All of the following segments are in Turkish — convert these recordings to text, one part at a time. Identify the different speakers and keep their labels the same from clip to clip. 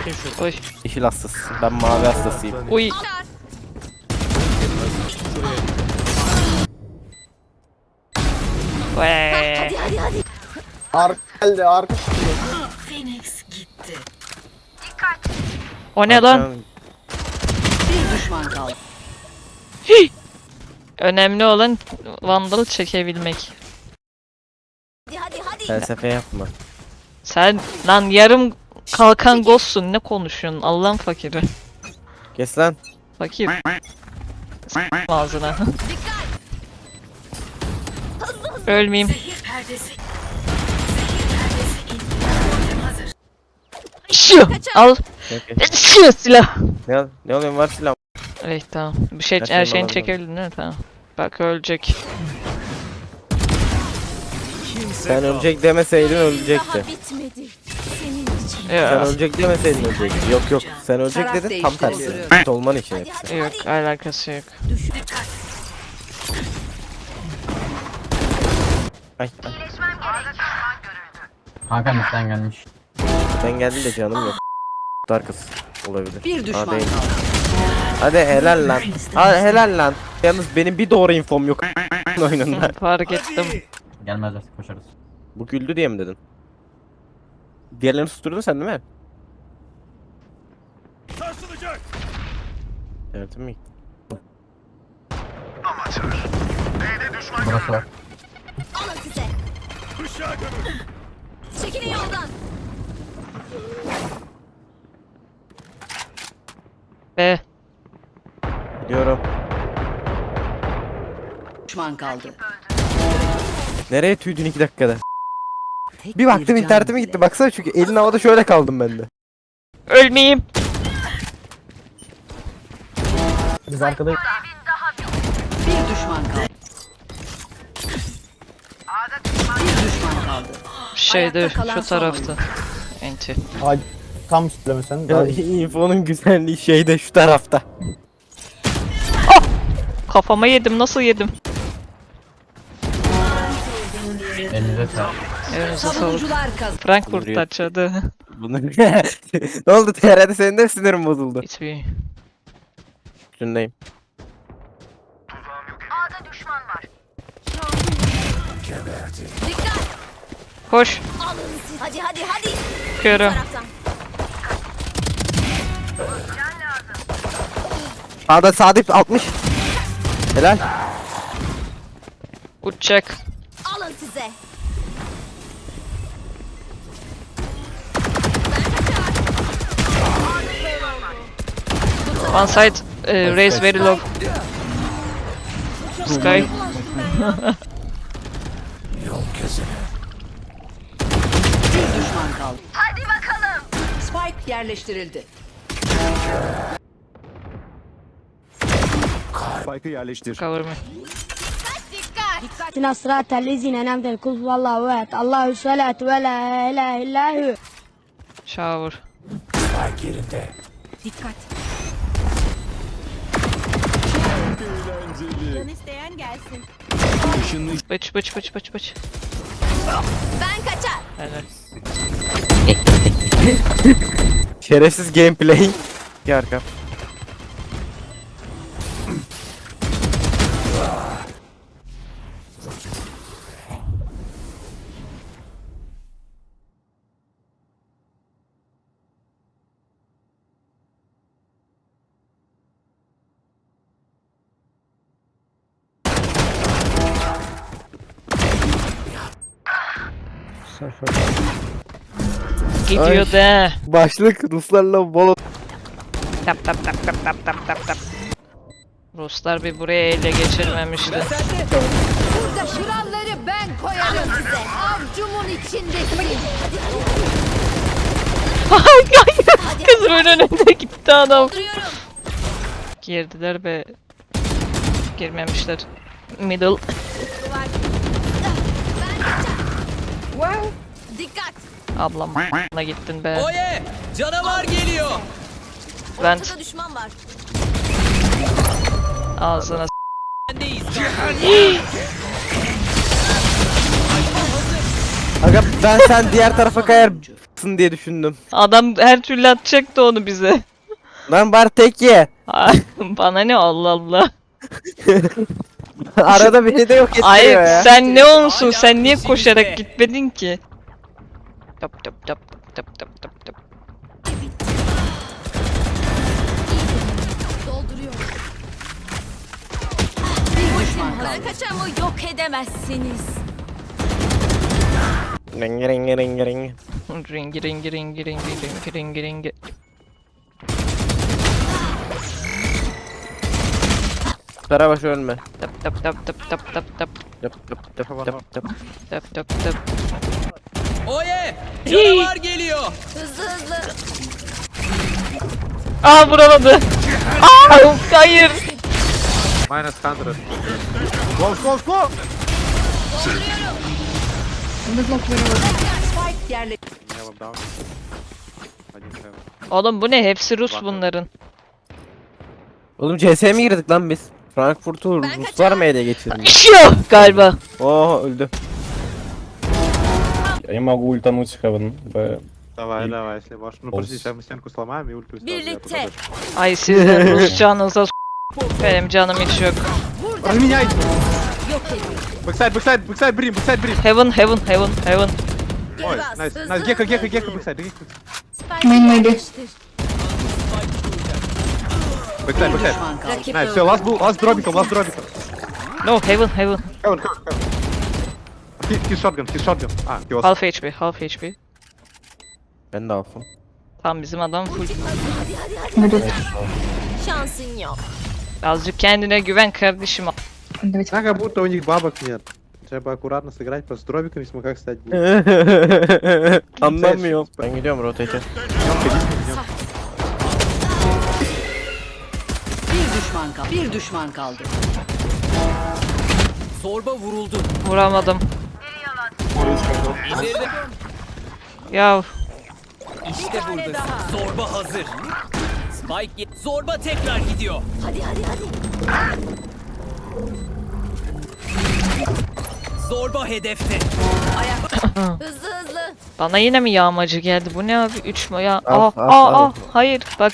Speaker 1: Oy.
Speaker 2: Yeşil hastası. Ben mavi hastasıyım.
Speaker 1: Uy. Vay.
Speaker 3: Arka geldi arka.
Speaker 4: Phoenix gitti.
Speaker 1: O ne lan?
Speaker 4: Bir düşman kaldı.
Speaker 1: Önemli olan Vandal çekebilmek.
Speaker 2: Felsefe yapma.
Speaker 1: Sen lan yarım kalkan ghostsun, ne konuşuyorsun Allah'ın fakiri.
Speaker 2: Kes lan.
Speaker 1: Fakir. Ağzına. Ölmeyeyim.
Speaker 4: Zehir perdesi. Zehir perdesi indi. Hazır.
Speaker 1: Şu al.
Speaker 2: Okay.
Speaker 1: Şu silah.
Speaker 2: Ne oluyor var silah.
Speaker 1: Evet tamam. Bir şey
Speaker 2: Her
Speaker 1: her
Speaker 2: şeyini
Speaker 1: şeyini
Speaker 2: alabilirim.
Speaker 1: çekebildin değil mi? Tamam. Bak ölecek.
Speaker 2: Sen ölecek demeseydin ölecekti.
Speaker 5: Bitmedi. Senin için.
Speaker 2: Sen
Speaker 1: Yok,
Speaker 2: ölecek demeseydin ölecekti. Yok. Sen ölecek
Speaker 4: Taraf
Speaker 2: dedin tam tersi.
Speaker 4: değiştiriyor.
Speaker 2: Olman için hepsi.
Speaker 1: yok alakası yok.
Speaker 4: Dikkat.
Speaker 2: Ay.
Speaker 6: Kanka midden gelmiş.
Speaker 2: Ben geldim de canım yok. Darkız olabilir.
Speaker 4: Bir düşman
Speaker 2: Hadi.
Speaker 4: kaldı.
Speaker 2: Hadi helal lan. Hadi helal lan. Yalnız benim bir doğru infom yok oyununda.
Speaker 1: Fark ettim.
Speaker 6: Gelmezler koşarız.
Speaker 2: Bu güldü diye mi dedin? Diğerlerini susturdun sen değil mi? Sarsılacak. Derdim mi?
Speaker 6: Burası var.
Speaker 5: Alın size. Çekilin yoldan.
Speaker 1: Be.
Speaker 2: Biliyorum.
Speaker 4: Düşman kaldı.
Speaker 2: Nereye tüydün 2 dakikada?
Speaker 4: Tek
Speaker 2: Bir baktım
Speaker 4: can
Speaker 2: internetime
Speaker 4: bile.
Speaker 2: gitti. Baksana çünkü elin havada şöyle kaldım ben de.
Speaker 1: Ölmeyeyim.
Speaker 3: Biz arkada
Speaker 4: Bir düşman kaldı. Bir düşman kaldı.
Speaker 1: Şeyde
Speaker 4: Ayakta kalan
Speaker 1: şu
Speaker 4: son
Speaker 1: tarafta. Enti.
Speaker 3: Ay, tam söylemesen.
Speaker 2: Ya
Speaker 3: Daha
Speaker 2: infonun güzelliği şeyde şu tarafta.
Speaker 1: Kafama yedim, nasıl yedim?
Speaker 6: Elinize sağlık.
Speaker 1: Elinize sağlık.
Speaker 4: Savunucular kazandı.
Speaker 1: Frankfurt
Speaker 2: Vuruyor.
Speaker 1: taçadı.
Speaker 2: Bunu... Ne oldu TR'de senin de sinirim bozuldu.
Speaker 1: Hiçbir.
Speaker 2: Üstündeyim.
Speaker 5: Dikkat.
Speaker 1: Koş.
Speaker 5: Alın size. Hadi.
Speaker 1: Körüm.
Speaker 5: Taraftan.
Speaker 2: Sağda Sadip 60. Helal.
Speaker 1: Uçacak.
Speaker 5: Alın size.
Speaker 1: One side. Raise very low. Sky.
Speaker 4: Bir düşman kaldı. Hadi bakalım. Spike yerleştirildi.
Speaker 7: Spike'ı yerleştir.
Speaker 1: Cover me.
Speaker 8: اهدنا الصراط الذين أنعمت عليهم قل هو الله أحد الله الصمد ولا إله إلا هو.
Speaker 1: Shower.
Speaker 5: Dikkat. Can isteyen gelsin.
Speaker 1: Bıç.
Speaker 5: Ben kaçar.
Speaker 1: Helal.
Speaker 2: Şerefsiz gameplay. Bir arka.
Speaker 1: Gidiyor
Speaker 2: Ay.
Speaker 1: de.
Speaker 2: Başlık Ruslarla bol.
Speaker 1: Tap. Ruslar bir buraya ele geçirmemişti.
Speaker 5: Burada şuraları ben koyarım size. Avcumun içindesin.
Speaker 1: Kızımın önünde gitti adam.
Speaker 5: Duruyorum.
Speaker 1: Girdiler ve girmemişler. Middle.
Speaker 5: Ben kaçar. Dikkat.
Speaker 1: Ablamla gittin be.
Speaker 9: Oye! Canavar geliyor!
Speaker 1: Ben
Speaker 5: Burada düşman var.
Speaker 1: ağzına
Speaker 9: Sendeyiz.
Speaker 2: Aga ben sen diğer tarafa kayarsın diye düşündüm.
Speaker 1: Adam her türlü atacaktı onu bize.
Speaker 2: Lan bari tek ye.
Speaker 1: Bana ne Allah Allah.
Speaker 2: Arada beni de yok ettiriyor
Speaker 1: Ay
Speaker 2: ya.
Speaker 1: sen ne olsun sen niye koşarak gitmedin ki? Tap tap tap tap tap tap tap.
Speaker 5: Dolduruyorum.
Speaker 4: Ben kaçamı yok edemezsiniz.
Speaker 2: Ring ring ring ring.
Speaker 1: Ringi ringi ringi ringi ringi ringi ringi.
Speaker 2: Karabaş ölme.
Speaker 1: Tap tap tap tap tap tap tap
Speaker 2: Yap yap yap yap yap.
Speaker 1: tap tap tap.
Speaker 9: Oye! Canavar geliyor.
Speaker 5: Hızlı hızlı.
Speaker 1: Aa vuramadı. Aa hayır.
Speaker 7: Minus 100.
Speaker 4: Spike yerle.
Speaker 7: Heaven down. Один heaven.
Speaker 1: Oğlum bu ne? Hepsi Rus bunların.
Speaker 2: Oğlum CS'ye mi girdik lan biz? Frankfurt'u Ruslar mı ele geçirdi?
Speaker 1: Şu galiba.
Speaker 2: Oh öldü.
Speaker 3: Я могу ультануть Heaven.
Speaker 7: Давай, давай, если можешь. Ну, подожди, сейчас мы стенку сломаем и ультую сразу, я
Speaker 4: Birlikte.
Speaker 7: туда
Speaker 1: Ay sizin Rusçanıza benim canım hiç yok.
Speaker 7: Разменяйте! Бэксайд, бэксайд, бэксайд, брим, бэксайд, брим!
Speaker 1: Heaven heaven heaven heaven.
Speaker 7: Ой,
Speaker 5: bas,
Speaker 7: найс,
Speaker 5: hızlı,
Speaker 7: найс, гека,
Speaker 5: hızlı.
Speaker 7: гека, гека, бэксайд, гека. Бэксайд, бэксайд.
Speaker 4: Rakip
Speaker 7: Найс, все, ласт дробиком, last dробиком.
Speaker 1: No heaven heaven.
Speaker 7: Heaven, heaven, heaven. He's shotgun, he's shotgun. Ah, he was.
Speaker 1: Half HP half HP.
Speaker 2: Ben de alfım.
Speaker 1: Tam bizim adam full.
Speaker 5: Şansın yok.
Speaker 1: Azıcık kendine güven kardeşim.
Speaker 7: Да, как будто у них бабок нет. Треба аккуратно сыграть, просто с дробиками смогла стать будет.
Speaker 2: Anlamıyorum. Ben gidiyorum rotate'e.
Speaker 4: Bir düşman kaldı.
Speaker 9: Zorba vuruldu.
Speaker 1: Vuramadım.
Speaker 9: İndirdim.
Speaker 1: Ya
Speaker 9: İşte burada. Zorba hazır. Zorba tekrar gidiyor.
Speaker 5: Hadi hadi hadi.
Speaker 9: Zorba hedefte.
Speaker 5: Hızlı hızlı.
Speaker 1: bana yine mi yağmacı geldi? Bu ne abi? 3 mü ya?
Speaker 2: Al,
Speaker 1: Aa
Speaker 2: al,
Speaker 1: aa
Speaker 2: al.
Speaker 1: aa hayır bak.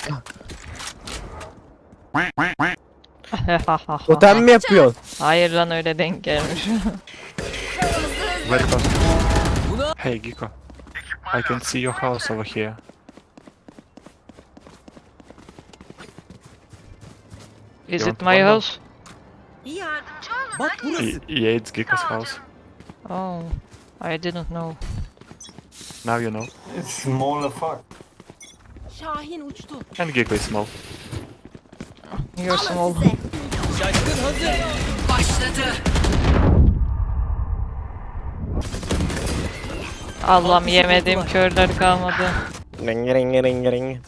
Speaker 2: Totem mi yapıyorsun?
Speaker 1: Hayır lan öyle denk gelmiş.
Speaker 10: Very close.
Speaker 9: Buna
Speaker 10: Hey, Giko. I can see your house over here.
Speaker 1: Is it my house?
Speaker 9: bak burası.
Speaker 10: Yeah, it's Giko's house.
Speaker 1: Oh, I didn't know.
Speaker 10: Now you know.
Speaker 4: Şahin uçtu.
Speaker 10: And Giko is small.
Speaker 1: You're small.
Speaker 9: Şaşkın hazır.
Speaker 1: Allah'ım yemediğim körler kalmadı.
Speaker 2: Ring ring ring ring.